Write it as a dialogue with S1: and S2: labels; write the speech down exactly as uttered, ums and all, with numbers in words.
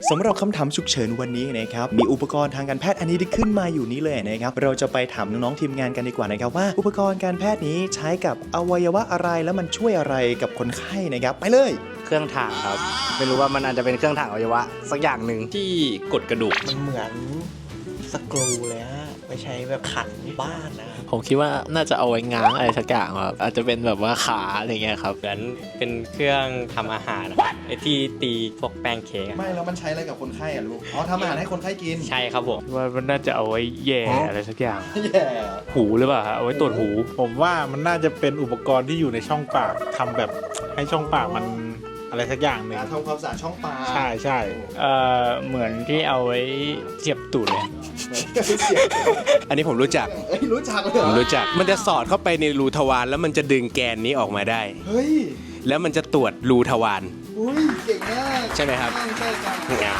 S1: สำหรับคำถามฉุกเฉินวันนี้นะครับมีอุปกรณ์ทางการแพทย์อันนี้ที่ขึ้นมาอยู่นี้เลยนะครับเราจะไปถามน้องๆทีมงานกันดีกว่านะครับว่าอุปกรณ์การแพทย์นี้ใช้กับอวัยวะอะไรแล้วมันช่วยอะไรกับคนไข้นะครับไปเลย
S2: เครื่องถ่างครับไม่รู้ว่ามันอาจจะเป็นเครื่องถ่างอวัยวะสักอย่างหนึ่ง
S3: ที่กดกระดูก
S4: มันเหมือนสกรูเลยฮะไปใช้แบบขันบ้านนะ
S5: ผมคิดว่าน่าจะเอาไว้ง้างอะไรสักอย่างครับอาจจะเป็นแบบว่าขาอะไรเงี้ยครับ
S3: เหมือนเป็นเครื่องทำอาหารนะครับไอที่ตีพวกแป้งเค้กอะ
S1: ไม่แล้วมันใช้อะไรกับคนไข้อะลูกอ๋อทำอาหารให้คนไข้กิน
S3: ใช่ครับผม
S6: ว่ามันน่าจะเอาไว้แย่อะไรสักอย่าง
S1: แย่
S6: หูหรือเปล่าฮะเอาไว้ตรวจหู
S7: ผมว่ามันน่าจะเป็นอุปกรณ์ที่อยู่ในช่องปากทำแบบให้ช่องปากมันอะไรสักอย่างหนึ่ง
S1: การทำความสะอาดช่องปาก
S7: ใช่ใช่
S6: เอ่อเหมือนที่เอาไว้เสียบตูดเลย
S8: อันนี้ผมรู้จัก
S1: เอ้ยรู้จักเลยเหร
S8: ผ
S1: อ
S8: มรู้จัก มันจะสอดเข้าไปในรูทวารแล้วมันจะดึงแกนนี้ออกมาได้
S1: เฮ้ย
S8: แล้วมันจะตรวจรูทวาร
S1: อุ้ยเก่งมาก
S8: ใช่ไหมครับ
S1: ใช่ครับ